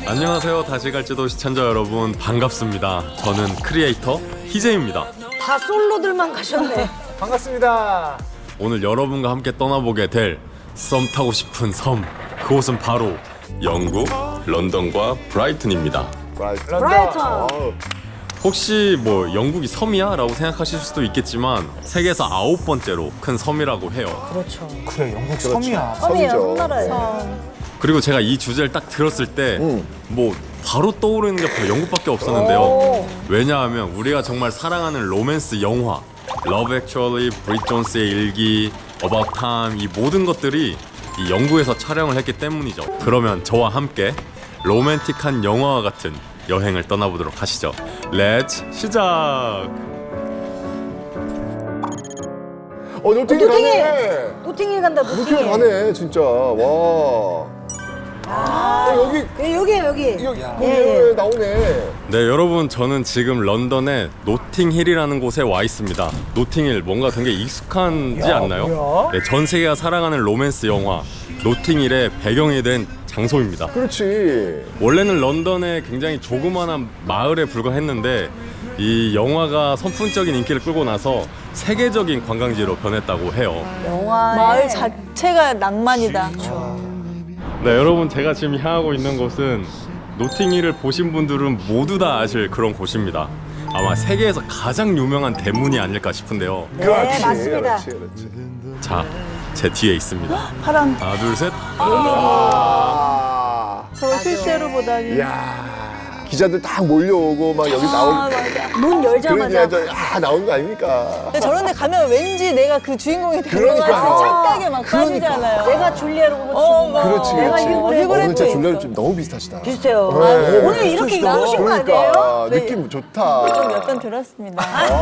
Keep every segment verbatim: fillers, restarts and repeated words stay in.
안녕하세요. 다시 갈지도 시청자 여러분 반갑습니다. 저는 크리에이터 희재입니다. 다 솔로들만 가셨네. 반갑습니다. 오늘 여러분과 함께 떠나보게 될 썸 타고 싶은 섬, 그곳은 바로 영국 런던과 브라이튼입니다. 런던. 브라이튼. 어우, 혹시 뭐 영국이 섬이야? 라고 생각하실 수도 있겠지만 세계에서 아홉 번째로 큰 섬이라고 해요. 그렇죠. 그래, 영국 섬이야. 섬이에요, 섬이죠. 섬나라예요. 그리고 제가 이 주제를 딱 들었을 때 뭐 음. 바로 떠오르는 게 바로 영국밖에 없었는데요. 오. 왜냐하면 우리가 정말 사랑하는 로맨스 영화 Love Actually, 브릿 존스의 일기, About Time 이 모든 것들이 이 영국에서 촬영을 했기 때문이죠. 그러면 저와 함께 로맨틱한 영화와 같은 여행을 떠나보도록 하시죠. 렛츠 시작! 어, 노팅이 노팅힐! 가네. 노팅힐 간다, 노팅이 노팅힐. 가네, 진짜. 와. 아, 어, 여기, 그, 여기에요, 여기. 여기, 예, 여기 예. 나오네. 네, 여러분 저는 지금 런던의 노팅힐이라는 곳에 와 있습니다. 노팅힐 뭔가 되게 익숙하지 야, 않나요? 뭐야? 네, 전 세계가 사랑하는 로맨스 영화 노팅힐의 배경이 된 장소입니다. 그렇지. 원래는 런던의 굉장히 조그마한 마을에 불과했는데 이 영화가 선풍적인 인기를 끌고 나서 세계적인 관광지로 변했다고 해요. 영화. 마을 자체가 낭만이다. 네, 여러분 제가 지금 향하고 있는 곳은 노팅힐을 보신 분들은 모두 다 아실 그런 곳입니다. 아마 세계에서 가장 유명한 대문이 아닐까 싶은데요. 네, 그렇지. 맞습니다. 그렇지, 그렇지. 자, 제 뒤에 있습니다. 파란. 하나, 둘, 셋. 아. 저 실제로 보다니. 이야. 기자들 딱 몰려오고 막 여기 아, 나오고. 맞아. 문 열자마자. 그러자 야, 나온 거 아닙니까? 근데 저런 데 가면 왠지 내가 그 주인공이 되는 것 그러니까요. 같은 착각에 막 그러니까. 빠지잖아요. 내가 줄리아 로버츠. 어, 막. 그렇지, 내가 그렇지. 휴그랜트. 어, 오늘 진짜 휴그랜트 줄리아는 있어. 좀 너무 비슷하시다. 비슷해요. 네. 아, 오늘 이렇게 비슷하시다. 나오신 거 그러니까. 아니에요? 네. 느낌 좋다. 좀 약간 들었습니다.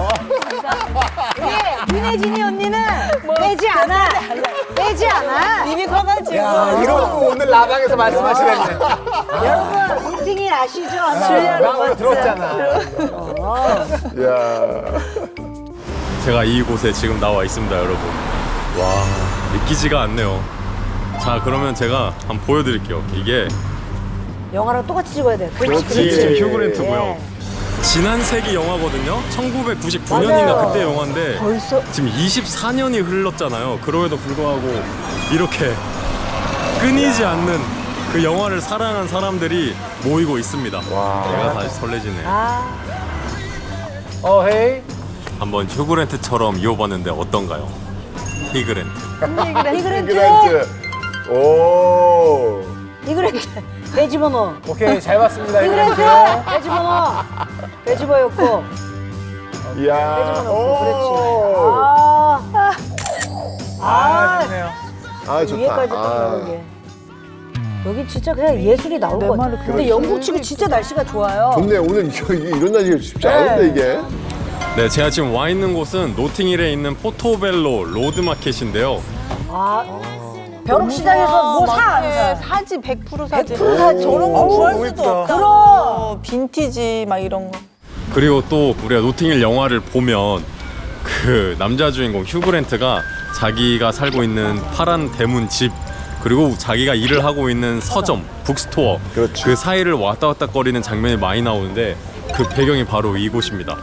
예, 윤혜진이 언니는 빼지 않아. 빼지 않아. 입이 커가지고. 야, 이러고 오늘 라방에서 말씀하시겠네. 여러분, 노팅힐 아시죠? 줄리아 나 오늘 로버츠. 들었잖아. 야. 제가 이곳에 지금 나와 있습니다, 여러분. 와, 믿기지가 않네요. 자, 그러면 제가 한번 보여드릴게요. 이게 영화랑 똑같이 찍어야 돼. 그렇지, 이게 지금 그렇지. 휴그랜트고요. 예. 지난 세기 영화거든요. 천구백구십구 년인가 맞아요. 그때 영화인데 벌써 지금 이십사 년이 흘렀잖아요. 그럼에도 불구하고 이렇게 끊이지 않는 그 영화를 사랑한 사람들이 모이고 있습니다. 내가 다시 설레지네. 아, 어, 헤이. 한번 휴그랜트처럼 이어봤는데 어떤가요? 히그랜트. 이그랜트. 그랜트. 오. 이그랜트. 빼집어넣어. 오케이, 잘 봤습니다. 이그랜트. 이그랜트. 빼집어넣어. 빼집어였고. 이야. 빼집어넣고. 그렇지. 오. 아. 아, 좋네요. 아, 좋다. 위에까지 딱 아. 나오게. 여기 진짜 그냥 예술이 나올 것 같아. 근데 영국 치고 진짜 날씨가 좋아요. 좋네. 오늘 이거, 이게 이런 날씨가 쉽지 않은데, 이게. 네, 제가 지금 와 있는 곳은 노팅힐에 있는 포토벨로 로드마켓인데요. 아, 벼룩시장에서 뭐 사 안 네, 사? 사지 백 퍼센트 사지. 백 퍼센트 사지. 저런 거 어우, 구할 너무 수도 예쁘다. 없다. 그럼. 어, 빈티지 막 이런 거. 그리고 또 우리가 노팅힐 영화를 보면 그 남자 주인공 휴그랜트가 자기가 살고 있는 파란 대문 집 그리고 자기가 일을 하고 있는 서점, 북스토어 그렇지. 그 사이를 왔다 갔다 거리는 장면이 많이 나오는데 그 배경이 바로 이곳입니다.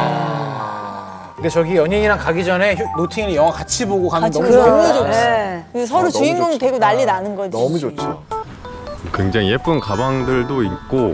근데 저기 연인이랑 가기 전에 휴- 노팅힐 영화 같이 보고 가면 같이 너무 보고 좋겠다. 너무 좋지. 네. 근데 서로 아, 너무 주인공 좋지. 되고 난리 나는 거지. 너무 좋죠. 굉장히 예쁜 가방들도 있고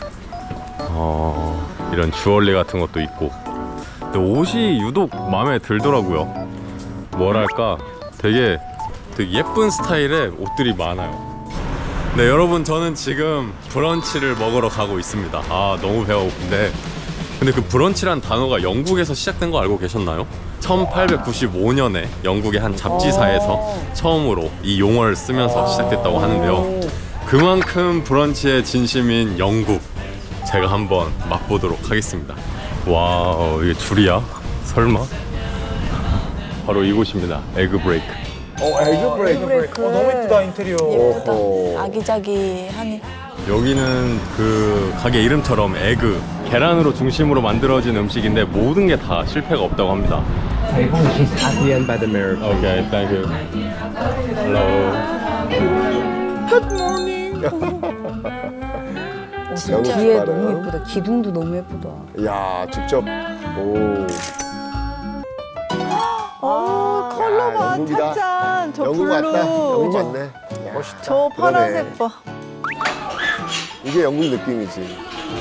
어, 이런 주얼리 같은 것도 있고 근데 옷이 유독 마음에 들더라고요. 뭐랄까 되게 되게 예쁜 스타일의 옷들이 많아요. 네, 여러분 저는 지금 브런치를 먹으러 가고 있습니다. 아, 너무 배가 고픈데 근데 그 브런치란 단어가 영국에서 시작된 거 알고 계셨나요? 천팔백구십오 년에 영국의 한 잡지사에서 처음으로 이 용어를 쓰면서 시작됐다고 하는데요. 그만큼 브런치의 진심인 영국 제가 한번 맛보도록 하겠습니다. 와우, 이게 줄이야? 설마? 바로 이곳입니다. 에그 브레이크. 어, 에그 브레이크. 어, 너무 예쁘다, 인테리어. 예쁘다. 오호. 아기자기하니. 여기는 그 가게 이름처럼 에그, 계란으로 중심으로 만들어진 음식인데 모든 게 다 실패가 없다고 합니다. Table is at the end by the mirror. Okay, thank you. Hello. 영국 뒤에 깃발은. 너무 예쁘다. 기둥도 너무 예쁘다. 야, 직접. 오. 어, 컬러 봐, 영국이다. 짠짠. 저 영국 블루. 왔다. 영국 왔네. 멋있다. 저 그러네. 파란색 봐. 이게 영국 느낌이지.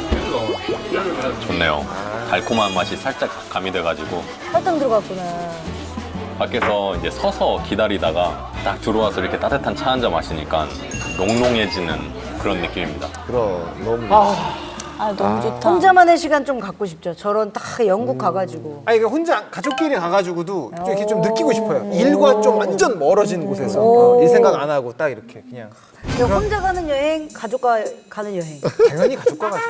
좋네요. 달콤한 맛이 살짝 가미돼가지고 설탕 들어갔구나. 밖에서 이제 서서 기다리다가 딱 들어와서 이렇게 따뜻한 차 한 잔 마시니까 농농해지는 그런 느낌입니다. 그럼 너무. 아, 너무 좋다. 혼자만의 시간 좀 갖고 싶죠. 저런 딱 영국 가가지고. 아니 그 혼자 가족끼리 가가지고도 좀 이렇게 좀 느끼고 싶어요. 일과 좀 완전 멀어진 곳에서 어, 일 생각 안 하고 딱 이렇게 그냥 그냥 혼자 가는 여행, 가족과 가는 여행. 당연히 가족과 가죠.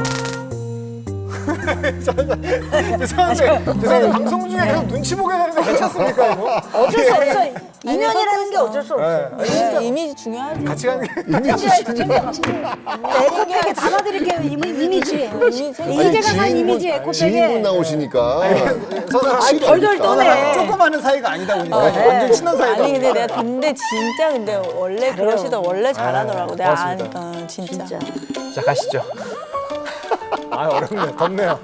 죄송한데, 죄송한데 방송 중에 계속 눈치 보게 되는데 괜찮습니까 이거? 어쩔 수 없어. 인연이라는 게 어쩔 수 없어. 네, 이미지 중요하지. 같이 가는 게 에코백에 담아드릴게요. 이미, 이미지. 이미지. 이제가 산 이미지 지인분 에코백에. 나오시니까. 아니, 덜덜 떠네. 조금 하는 사이가 아니다 보니까 네. 완전 친한 사이다. 아니 근데 내가 근데 진짜 근데 원래 그러시더 원래 잘하더라고. 내가 고맙습니다. 아니까 진짜. 진짜. 자 가시죠. 아 어렵네, 덥네요.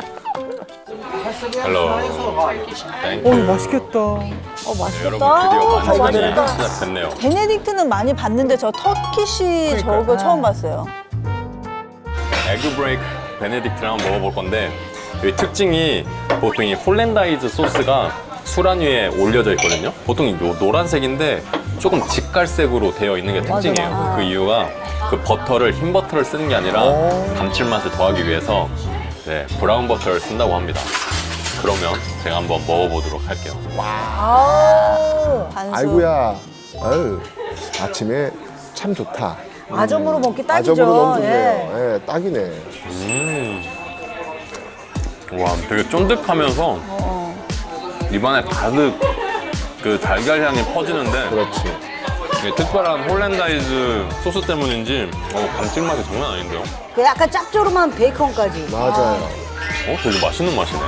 헬로. 땡큐. 맛있겠다. 어, 여러분 맛있겠다. 드디어 어, 만찬이 맛있겠다. 시작됐네요. 베네딕트는 많이 봤는데 저 터키시 저거 처음 봤어요. 에그 브레이크 베네딕트를 한번 먹어볼 건데 여기 특징이 보통 이 홀랜다이즈 소스가 수란 위에 올려져 있거든요. 보통 요 노란색인데 조금 직갈색으로 되어 있는 게 특징이에요. 맞아. 그 이유가 그 버터를 흰 버터를 쓰는 게 아니라 감칠맛을 더하기 위해서 네, 브라운 버터를 쓴다고 합니다. 그러면 제가 한번 먹어보도록 할게요. 아우. 반숙. 아이고야. 아유, 아침에 참 좋다. 아점으로 먹기 딱이죠. 아점으로 너무 예. 좋네요. 예, 딱이네. 음. 와, 되게 쫀득하면서 입안에 가득 그 달걀 향이 퍼지는데 그렇지. 이게 특별한 홀랜다이즈 소스 때문인지 어, 감칠맛이 장난 아닌데요? 그 약간 짭조름한 베이컨까지. 맞아요. 어, 되게 맛있는 맛이네.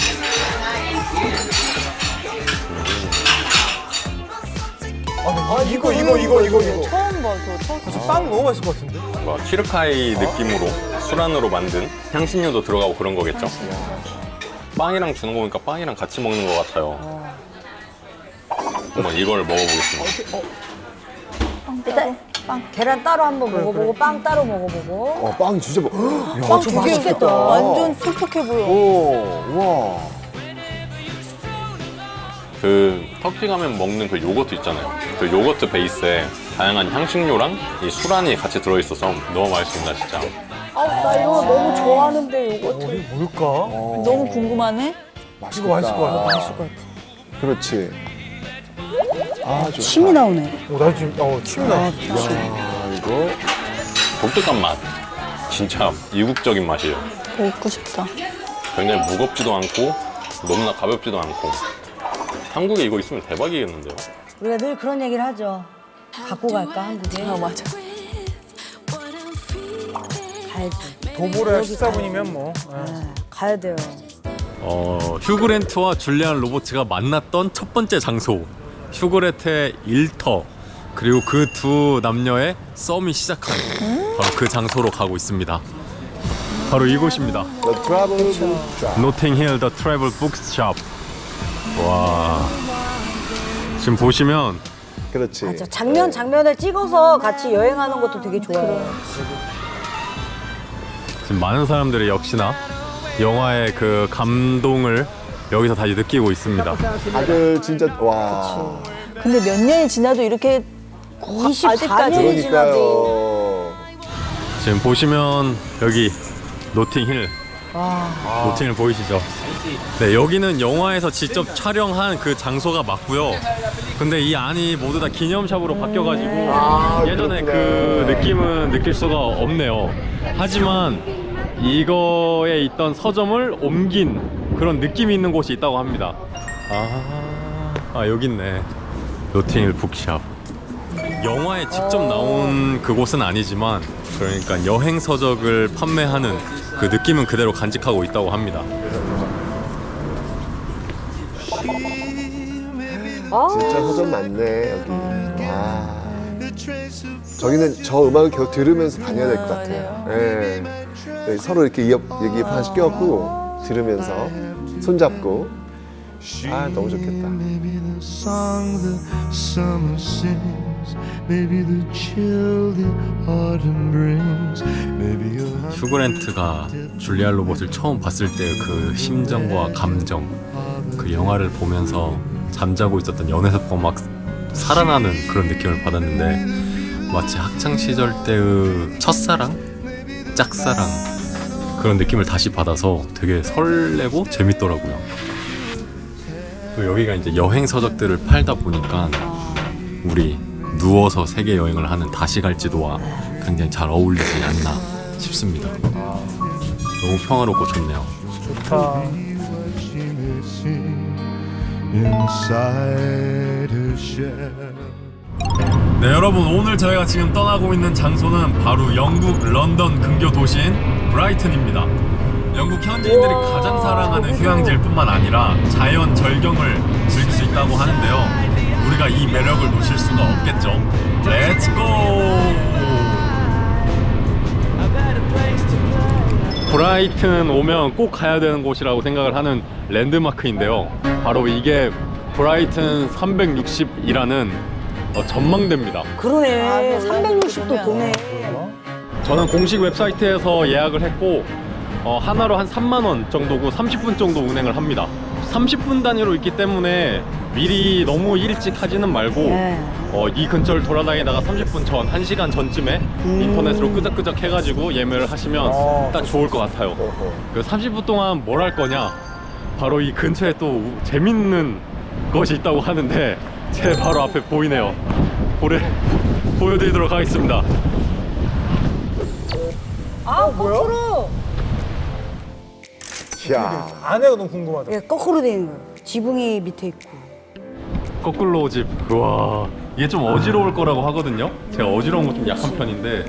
아, 이거 이거 이거 이거 이거. 처음 봐, 저 터키. 빵 너무 맛있을 것 같은데? 뭔가 키르카이 느낌으로 수란으로 만든 향신료도 들어가고 그런 거겠죠? 빵이랑 주는 거 보니까 빵이랑 같이 먹는 것 같아요. 한번 이걸 먹어보겠습니다. 일단 빵. 계란 따로 한번 먹어보고 빵 따로 먹어보고. 어, 빵 진짜 뭐. 야, 빵 되게 맛있겠다. 완전 촉촉해 보여. 오, 와. 그 터키 가면 먹는 그 요거트 있잖아요. 그 요거트 베이스에 다양한 향신료랑 이 수란이 같이 들어있어서 너무 맛있습니다, 진짜. 아, 나 이거 너무 좋아하는데 요거트. 이게 뭘까? 너무 궁금하네. 맛있겠다. 이거 맛있을 것 같아. 맛있을 것 같아. 그렇지. 아, 좋다. 침이 나오네. 오, 나 지금 어 침이 나. 야, 이거. 독특한 맛. 진짜 이국적인 맛이에요. 먹고 싶다. 굉장히 무겁지도 않고 너무나 가볍지도 않고 한국에 이거 있으면 대박이겠는데요? 우리가 늘 그런 얘기를 하죠. 갖고 갈까 한국에? 아 맞아. 가야지. 도보를 십사 분이면 뭐. 네, 가야 돼요. 어, 휴그랜트와 줄리안 로버츠가 만났던 첫 번째 장소 휴그랜트의 일터 그리고 그 두 남녀의 썸이 시작한 바로 그 장소로 가고 있습니다. 바로 이곳입니다. The Travel Book Shop. 노팅힐 더 트래블 북스숍. 와, 지금 보시면 그렇지. 맞아. 장면 장면을 찍어서 같이 여행하는 것도 되게 좋아요. 지금 많은 사람들이 역시나 영화의 그 감동을 여기서 다시 느끼고 있습니다. 다들 진짜, 와. 근데 몇 년이 지나도 이렇게 이십사 년이 지나도. 그러니까요. 지금 보시면 여기 노팅힐 노팅힐 보이시죠? 네, 여기는 영화에서 직접 촬영한 그 장소가 맞고요. 근데 이 안이 모두 다 기념샵으로 바뀌어가지고 아, 예전에 그렇구나. 그 느낌은 느낄 수가 없네요. 하지만 이거에 있던 서점을 옮긴 그런 느낌이 있는 곳이 있다고 합니다. 아, 아 여기 있네. 노팅힐 북샵. 영화에 직접 나온 그곳은 아니지만 그러니까 여행 서적을 판매하는 그 느낌은 그대로 간직하고 있다고 합니다. 진짜 서점 많네, 여기. 와. 저기는 저 음악을 계속 들으면서 다녀야 될 것 같아요. 예. 네, 서로 이렇게 이어, 얘기 하나씩 껴갖고 들으면서 손잡고. 아, 너무 좋겠다. Maybe the song the summer sings, maybe the chill the autumn brings, maybe you'll 휴그랜트가 줄리아 로버트를 처음 봤을 때 그 심정과 감정, 그 영화를 보면서 잠자고 있었던 연애사건 막 살아나는 그런 느낌을 받았는데 마치 학창 시절 때의 첫사랑, 짝사랑 그런 느낌을 다시 받아서 되게 설레고 재밌더라고요. 또 여기가 이제 여행 서적들을 팔다 보니까 우리 누워서 세계 여행을 하는 다시 갈지도와 굉장히 잘 어울리지 않나 싶습니다. 너무 평화롭고 좋네요. 좋다. she may sing inside her shell. 네 여러분, 오늘 저희가 지금 떠나고 있는 장소는 바로 영국 런던 근교 도시인 브라이튼입니다. 영국 현지인들이 가장 사랑하는 휴양지일 뿐만 아니라 자연 절경을 즐길 수 있다고 하는데요. 우리가 이 매력을 놓칠 수가 없겠죠. 렛츠 고! 브라이튼 오면 꼭 가야 되는 곳이라고 생각을 하는 랜드마크인데요. 바로 이게 브라이튼 삼백육십이라는 어, 전망대입니다. 그러네. 삼백육십 도 도네. 저는 공식 웹사이트에서 예약을 했고 어, 하나로 한 삼만 원 정도고 삼십 분 정도 운행을 합니다. 삼십 분 단위로 있기 때문에 미리 너무 일찍 하지는 말고 네. 어, 이 근처를 돌아다니다가 삼십 분 전, 한 시간 전쯤에 음. 인터넷으로 끄적끄적 해가지고 예매를 하시면 어, 딱 좋을 것 같아요. 그 삼십 분 동안 뭘 할 거냐? 바로 이 근처에 또 우- 재밌는 것이 있다고 하는데 제 바로 앞에 보이네요. 보래, 보여드리도록 하겠습니다. 아, 거꾸로. 이야. 안에가 너무 궁금하다. 예, 거꾸로 돼 있는 거예요. 지붕이 밑에 있고. 거꾸로 집. 우와, 이게 좀 어지러울 거라고 하거든요. 제가 어지러운 거 좀 약한 편인데.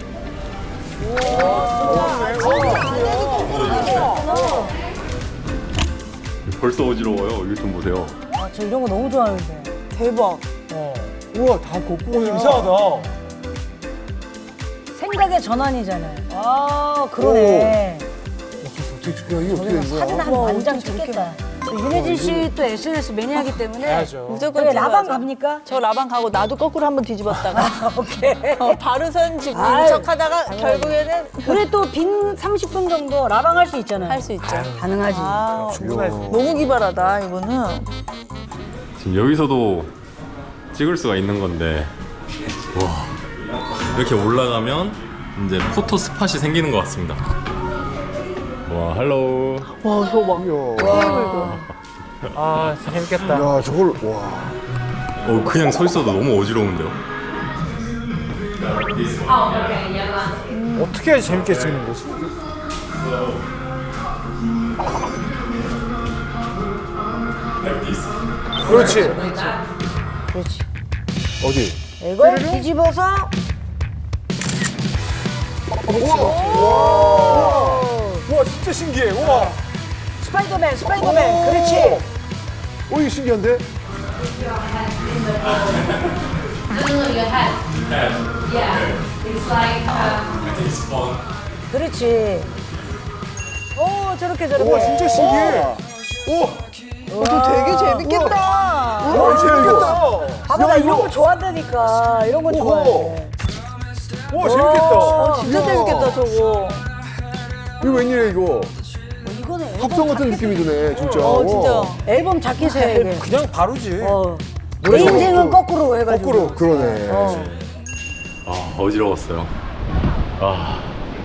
벌써 어지러워요. 이거 좀 보세요. 아, 저 이런 거 너무 좋아하는데. 대박. 어. 우와, 다 거꾸로 이상하다. 생각의 전환이잖아요. 아, 그러네. 어떻게 죽여? 이게 어떻게 된 거야? 사진 한 우와, 만장 어떻게 찍겠다. 또 윤혜진 씨 또 에스엔에스 매니아이기 때문에 해야죠. 무조건 그래, 라방 뒤집어야죠. 갑니까? 저 라방 가고 나도 거꾸로 한번 뒤집었다가 오케이. 어, 바르선 집인 아유, 척 하다가 결국에는 우리 또 빈 삼십 분 정도 라방 할 수 있잖아요. 할 수 있죠. 가능하지. 아, 충분하지. 너무 기발하다 이거는. 지금 여기서도 찍을 수가 있는 건데, 와, 이렇게 올라가면 이제 포토 스팟이 생기는 것 같습니다. 와, 할로우. 와, 저거 봐. 이야. 아, 진짜 재밌겠다. 야, 저걸 와. 어, 그냥 서 있어도 너무 어지러운데요. 어떻게 해야 재밌게 찍는 거지? 그렇지. 그렇지. 어디? 이걸 뒤집어서 우와, 진짜 신기해. 우와. 스파이더맨, 스파이더맨. 그렇지. 오, 이거 신기한데? 그렇지. 오, 저렇게 저렇게. 우와, 진짜 신기해. 오, 되게 재밌겠다. 와, 재밌겠다. 봐봐, 나 이런 거 좋아한다니까. 이런 거 좋아해. 우와, 재밌겠다. 어, 진짜 재밌겠다 저거. 이거 웬일이야, 이거? 이거는 앨범 합성 같은 자켓- 느낌이 드네, 진짜. 어, 진짜. 앨범 자켓이야, 이게. 그냥 바로지. 어. 내 인생은 거꾸로 해가지고. 거꾸로, 그러네. 어. 아, 어지러웠어요. 아.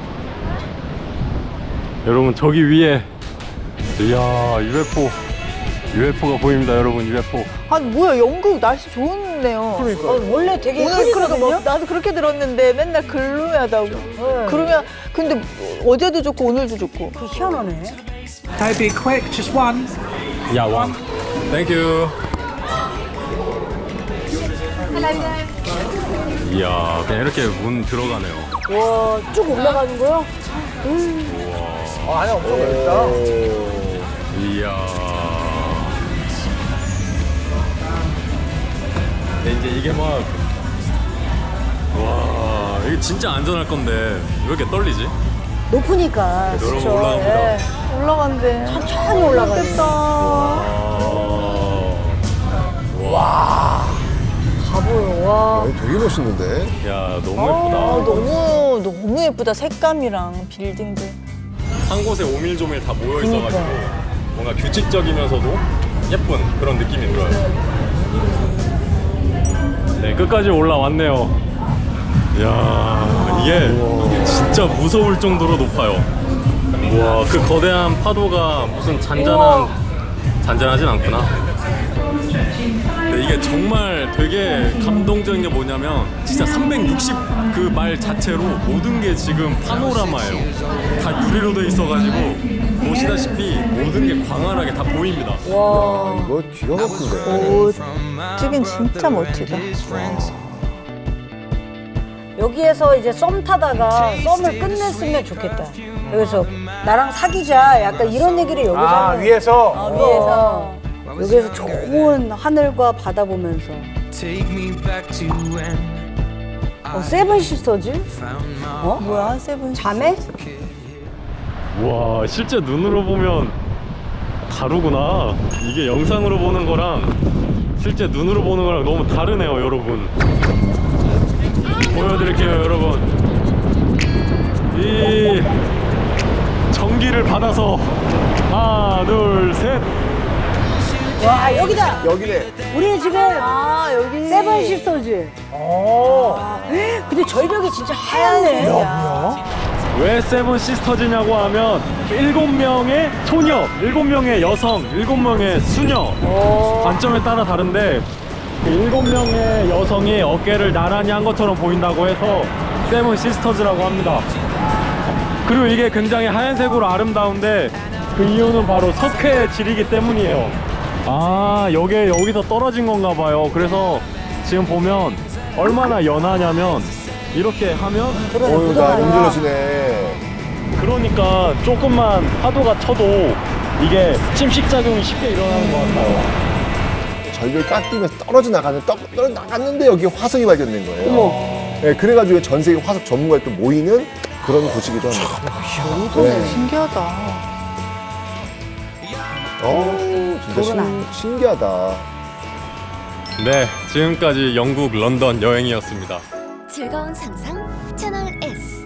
여러분, 저기 위에, 이야, 유에프오. 유에프오가 보입니다, 여러분, 유에프오. 아니 뭐야, 영국 날씨 좋네요. 그러니까. 어, 원래 되게 오늘 그래도 흐리거든요. 뭐, 나도 그렇게 들었는데 맨날 글루하다고. 그러면 근데 어제도 좋고 오늘도 좋고. 그 희한하네. Don't be quick, just one. 야, 원. 땡큐. 이야, 그냥 이렇게 문 들어가네요. 와, 쭉 올라가는 거요? 아, 안에 엄청 넓다. 이야. 근데 이제 이게 막, 와, 이게 진짜 안전할 건데 왜 이렇게 떨리지? 높으니까. 여러분 그쵸. 올라갑니다. 예. 올라간대. 천천히 올라가네. 좋겠다. 와. 가보요. 와. 아니, 되게 멋있는데. 야 너무 아, 예쁘다. 너무 너무 예쁘다. 색감이랑 빌딩들. 한 곳에 오밀조밀 다 모여 있어가지고 뭔가 규칙적이면서도 예쁜 그런 느낌이 들어요. 네, 끝까지 올라왔네요. 이야, 이게 진짜 무서울 정도로 높아요. 와, 그 거대한 파도가 무슨 잔잔한, 잔잔하진 않구나. 근데 이게 정말 되게 감동적인 게 뭐냐면 진짜 삼백육십 그 말 자체로 모든 게 지금 파노라마예요. 다 유리로 돼 있어가지고 보시다시피 모든 게 광활하게 다 보입니다. 와. 이거 기가 막힌데. 오, 찍긴 진짜 멋지다. 여기에서 이제 썸 타다가 썸을 끝냈으면 좋겠다. 여기서 나랑 사귀자. 약간 이런 얘기를 여기서 아 하면. 위에서 아, 위에서. 여기에서 좋은 하늘과 바다 보면서. Take me back to when 어, 세븐 시스터즈? 어? 뭐야, 세븐. 자매? 와, 실제 눈으로 보면 다르구나. 이게 영상으로 보는 거랑 실제 눈으로 보는 거랑 너무 다르네요, 여러분. 보여드릴게요, 여러분. 이 전기를 받아서 하나, 둘, 셋. 와, 여기다! 여기네. 우리 지금 아, 여기. 세븐 시스터즈. 아, 근데 절벽이 진짜 하얗네. 왜 세븐 시스터즈냐고 하면 일곱 명의 소녀, 일곱 명의 여성, 일곱 명의 수녀 관점에 따라 다른데 그 일곱 명의 여성이 어깨를 나란히 한 것처럼 보인다고 해서 세븐 시스터즈라고 합니다. 그리고 이게 굉장히 하얀색으로 아름다운데 그 이유는 바로 석회의 질이기 때문이에요. 아, 여기에 여기서 떨어진 건가 봐요. 그래서 지금 보면 얼마나 연하냐면 이렇게 하면 어유 나 힘들어지네. 그러니까 조금만 파도가 쳐도 이게 침식작용이 쉽게 일어나는 것 같아요. 절벽 깎이면서 떨어져 나가는 떨어 나갔는데 여기 화석이 발견된 거예요. 네, 그래가지고 전 세계 화석 전문가들 또 모이는 그런 곳이기도 합니다. 네. 신기하다. 어, 진짜 신, 신기하다. 네, 지금까지 영국 런던 여행이었습니다. 즐거운 상상 채널 S.